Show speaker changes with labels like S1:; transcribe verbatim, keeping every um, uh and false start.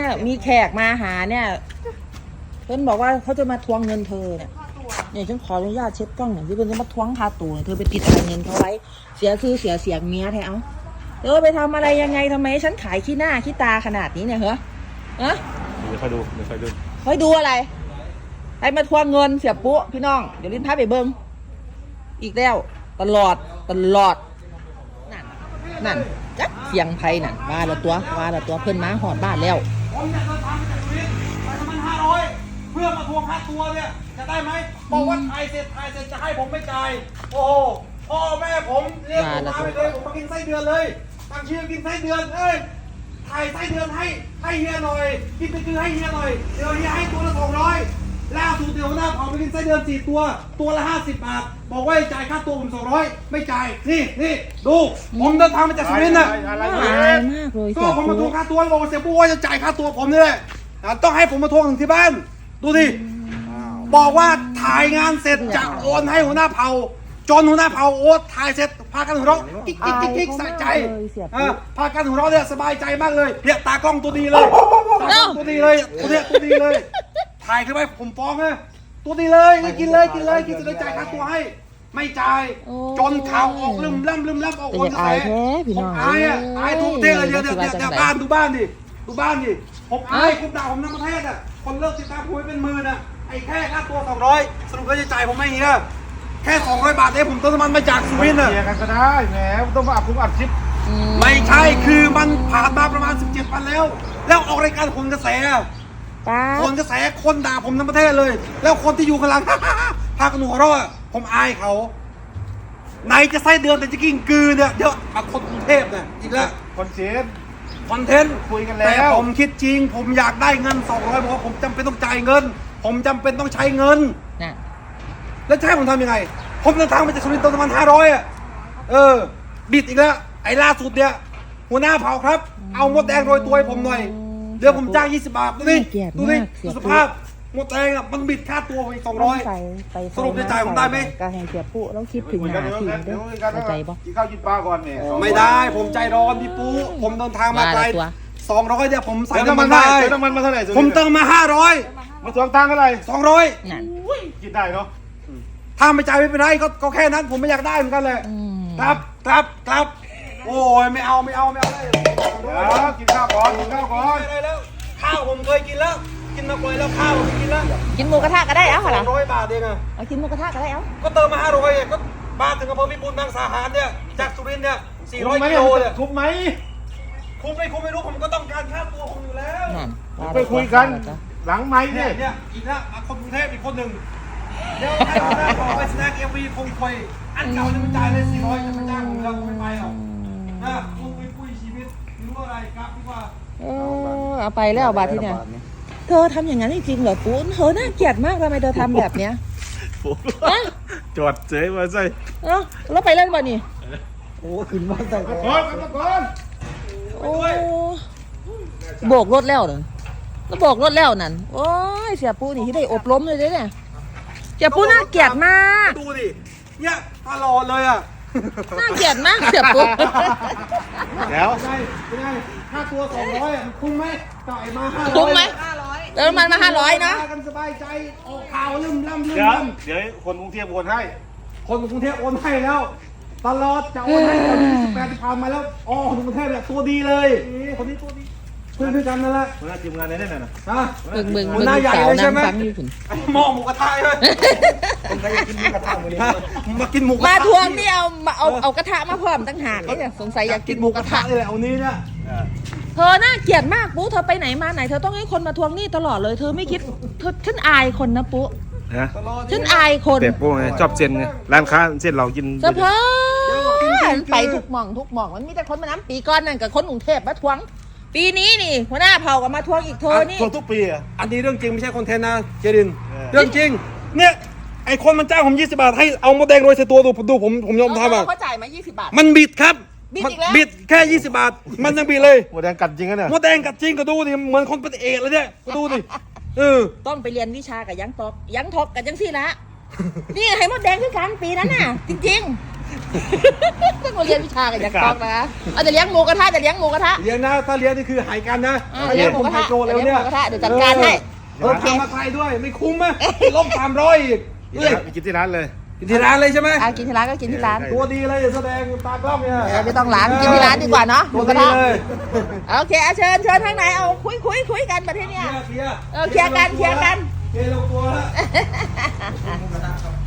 S1: เนี่ยมีแขกมาหาเนี่ยเพิ่นบอกว่าเขาจะมาทวงเงินเธอเนี่ยเนี่ยฉันขออนุญาตเช็ดกล้องหน่อยที่เพิ่นจะมาทวงค่าตัวเธอไปติดอะไรเงินเขาไว้เสียชื่อเสียเสียงเมียแท้เอาเธอไปทำอะไรยังไงทำไมฉันขายขี้หน้าขี้ตาขนาดนี้เนี่ยเหรอฮะ
S2: เดี๋ยวค่อยดูเดี๋ยวค่อยดู
S1: ค่อยดูอะไรไปมาทวงเงินเสียปุ๊พี่น้องเดี๋ยวลิ้นพาไปเบิ้งอีกแล้วตลอดตลอดนั่นนั่นจักเสียงไพ่นั่นว่าละตัวว่าละตัวเพิ่นมาหอดบ้านแล้ว
S3: ผมอยากจะทำจากชีวิตไปทำมันห้าร้อยเพื่อมาทวงค่าตัวเนี่ยจะได้ไหมบอกว่าถ่ายเสร็จถ่ายเสร็จจะให้ผมไม่จ่ายโอ้โหพ่อแม่ผมเรียกผมมาไปเลยผมมากินไส้เดือนเลยตั้งชื่อกินไส้เดือนเอ้ยถ่ายไส้เดือนให้ให้เฮียหน่อยกินไปคือให้เฮียหน่อยเดี๋ยวเฮียให้ตัวละสองร้อยล่าสุดเดี๋ยวหน้าเผาไปกินไส้เดือนสี่ตัวตัวละห้าสิบบาทบอกว่าจ่ายค่าตัวผมสองร้อยไม่จ่ายนี่นี่ดูผมเดินทางมาจากสุรินทร์น่ะ
S1: อายมากเลย
S3: ก็ผมมาทวงค่าตัวบอกเสียปุ๊ว่าจะจ่ายค่าตัวผมนี่แหละต้องให้ผมมาทวงถึงที่บ้านดูดิบอกว่าถ่ายงานเสร็จจะโอนให้หัวหน้าเผ่าจนหัวหน้าเผ่าโอนถ่ายเสร็จพากันหัวเราะกิ๊กกิ๊กกิ๊กกิ๊กสะใจพากันหัวเราะเนี่ยสบายใจมากเลยเนี่ยตากล้องตัวดีเลยตากล้องตัวดีเลยตัวเนี้ยตัวดีเลยถ่ายขึ้นไปผมฟ้องนะตัวดีเลยกินเลยกินเลยกินจะได้จ่ายค่าตัวให้ไม่จ่ายจนข่าวออกลืมล่ำลืมล่ำออกคนกระแสผมอายอ่ะอายทุกประเทศเลยเดี๋ยวเดี๋ยวเดี๋ยวบ้านดูบ้านดิดูบ้านดิผมอายคุณด่าผมทั้งประเทศอ่ะคนเลิกติดตามผมเป็นหมื่นอ่ะไอ้แค่ค่าตัวสองร้อยสรุปก็จะจ่ายผมไม่เฮียแค่สองร้อยบาทเองผมเติมน้ำมันมาจากสุรินทร์อ่ะ
S2: กันก็ได้แหมต้องมาอัดคุ้มอัดคลิป
S3: ไม่ใช่คือมันผ่านมาประมาณสิบเจ็ดวันแล้วแล้วออกรายการคนกระแสคนกระแสคนด่าผมทั้งประเทศเลยแล้วคนที่อยู่ข้างหลังพากันหัวเราะผมอายเขาไหนจะไส้เดือนแต่จะกินกือเนี่ยเดี๋ยวมาคนกรุงเทพเนี่ยอีกแล้ว
S2: คอนเทนต์
S3: คอนเทนต์
S2: คุยกันแล้ว
S3: แต่ผมคิดจริงผมอยากได้เงินสองร้อยบอกว่าผมจำเป็นต้องจ่ายเงินผมจำเป็นต้องใช้เงินแล้วจะให้ผมทำยังไงผมเดินทางมาจากสุรินทร์ประมาณห้าร้อยอ่ะเออบิดอีกแล้วไอ้ล่าสุดเนี่ยหัวหน้าเผาครับเอามดแดงโรยตัวให้ผมหน่อยเดี๋ยวผมจ้างยี่สิบบาทดูดิดูดิดูสภาพหมดแรงอ่ะมันบิดค่าตัวไปสองร้อยสรุปจะจ่ายผมได้ไหม
S1: การให้เสียปุ๊ต้องคิดถึงหาทีมด้วยเข้าใจปะ
S2: กินข้าวกินปลาก่อนเนี่ย
S3: ไม่ได้ผมใจร้อนพี่ปุ๊ผมเดินทางมาไกลสองร้อยเนี่ยผมใส่น้ำมันได้
S2: น้ำมันมาเท่าไหร่
S3: ผมเติมมาห้าร้อย
S2: มาทวงตังค์เท่าไหร่
S3: สองร้อย
S2: กินได้เนาะ
S3: ถ้าไม่จ่ายไม่เป็นไรก็ก็แค่นั้นผมไม่อยากได้เหมือนกันเลยครับครับครับโอ้ยไม่เอาไม่เอาไม่เอาเลย
S2: กินข้าวก่อนกินข้าวก่อน
S3: ได้แล้วข้าวผมเคยกินแล้วกินมาก่อยแล้วข้าวผมกินแล้ว
S1: กินหมูกระทะก็ได้เอ้าเหรอ
S3: ร้อยบาทเองอะ
S1: เอากินหมูกระทะก็ได้เอ้า
S3: ก็เติมมาห้าร้อยก็บ้านถึงอำเภอพิบูลบางสาหารเนี่ยจากสุรินทร์เนี่ยสี่ร้อยกิโลเนี่ย
S2: คุ้มไหม
S3: คุ้มไม่คุ้มไม่รู้ผมก็ต้องการค่าตัวผมอยู่แล้ว
S2: ไปคุยกันหลังไม้
S3: เนี่ยเนี่ยอีกแล้วคนกรุงเทพอีกคนหนึ่งเดี๋ยวให้หัวหน้าบอกไปแสดงเอ็มวีคงคุยอันเก่าจะมาจ่ายเลยสี่ร้อยจะมาจ้างผมเราไม่ไปหรอกนะคุยคุยชีวิตรู้อะไรครับดีกว่า
S1: เออเอาไปแล้วบาทที่เนี่ยเธอทำอย่างนั้นจริงๆเหรอปูนเธอน่าเกลียดมากทำไมเธอทำแบบเนี้ย
S2: จอดเจ๊มาใส่
S1: เอ้าแล้วไปเล่นบ่นี่
S3: โอ้ขึ้นมาใส่
S2: ก่อนก่อน
S1: โอ้โบกรถแล้วเนอะแล้วโบกรถแล้วนั่นโอ้ยเสียปูนี่ที่ได้อบรมเลยเนี่ยเสียปูน่าเกลียดมาก
S3: ดูดิเนี่ยตลอดเลยอ่ะ
S1: น่าเกลียดมากเสียปู
S2: แล้ว
S3: ไงไงค่าตัวสองร้อยมันคุ้มไหมจ่ายมาห้าร้อย
S1: คุ้มไหมเติมมันมาห้าร้อยนะ
S3: กันสบายใจออกข่าวลืมล่ำลืม
S2: ล่
S3: ำ
S2: เดี๋ยวคนกรุงเทพโอนให้
S3: คนกรุงเทพโอนให้แล้วตลอดจะโอนให้ตอนที่สิบแปดที่ผ่านมาแล้วอ๋อคนกรุงเทพเนี่ยตัวดีเลยคนนี้ตัวดีเพื่อนด้วยกันนั่นแหละ
S2: หัวหน้าทีมงานไหนนั่นน่ะ
S3: ฮะ
S1: มึงมึง
S3: หัวหน้าใหญ่เลยใช่ไหมหม้อหมูกระทะเลย
S2: คนใครอยากกินหมูกระทะมื้อนี้
S3: มากินหมู
S1: มาทวงนี่เอามาเอาเอากระทะมาพร้อมตั้งหากเนี่ยสงสัยอยากกินหมูกระทะ
S3: เลยเอานี้เนี่ย
S1: เธอน่าเกลียดมากปุ๊เธอไปไหนมาไหนเธอต้องให้คนมาทวงหนี้ตลอดเลยเธอไม่คิดเธอฉันอายคนนะปุ๊ฉันอายคน
S2: เด็กพวกไงชอบเซนไงร้านค้าเส้นเรากิน
S1: เฉพาะไปทุกหม่องทุกหม่องมันมีแต่คนมาน้ำปีก้อนนั่นกับคนกรุงเทพมาทวงปีนี้นี่หัวหน้าเผ่ากับมาทวงอีกเธอนี่
S2: ทวงทุกปีอ่ะ
S3: อันนี้เรื่องจริงไม่ใช่คอนเทนต์นะเจรินเรื่องจริงเนี่ยไอคนมันจ้างผมยี่สิบบาทให้เอามดแดงโรยใส่ตัวดูดูผมผมยอมทำอ่ะ
S1: เขาจ่ายมายี่สิบบาท
S3: มันบิดครับบิดแค่ยี่สิบบาทมันยังบิดเลย
S2: มดแดงกัดจริงนะเนี่ย
S3: มดแดงกัดจริงก็ดูดิเหมือนคนเป็นเอกเลยเนี่ยก็ดูดิเออ
S1: ต้องไปเรียนวิชากับยังตอกยังทอกกับยังซี่ละนี่ให้มดแดงคือกันปีนั้นน่ะจริงๆต้องมาเรียนวิชากันจากกองนะเอาจะเลี้ยงหมูกระทะจะเลี้ยงหมูกระทะ
S3: เลี้ยงนะถ้าเลี้ยงนี่คือหายกันนะ
S1: เออ
S3: ถ้าเลี้ยงผม
S1: เลี้
S3: ไฮ
S1: ยงหมู
S3: โกรแล้วเนี่ย
S1: กระทะเดี๋ยวจัดการให้
S3: เออทำมาใครด้วยไม่คุ้มไหมลบสามร้อยอีกเอ้ย
S2: ไปกินที่ร้านเลย
S3: กินที่ร้านเลยใช่ไหม
S1: อ่ะกินที่ร้านก็กินที่ร้าน
S3: ตัวดีเลยแสดงตากล้องเนี่ย
S1: เออไม่ต้องร้านกินที่ร้านดีกว่าเนาะห
S3: ตั
S1: มู
S3: ว
S1: กระ
S3: ดี
S1: ทะ
S3: เลย
S1: โอเคเอาเชิญเชิญข้างในเอาคุยคุยคุยกันประเทศเนี้ย
S3: เคลียร์
S1: เออเคลียร์กันเคลียร์กัน
S3: เคลียร์ลงตัวแล้ว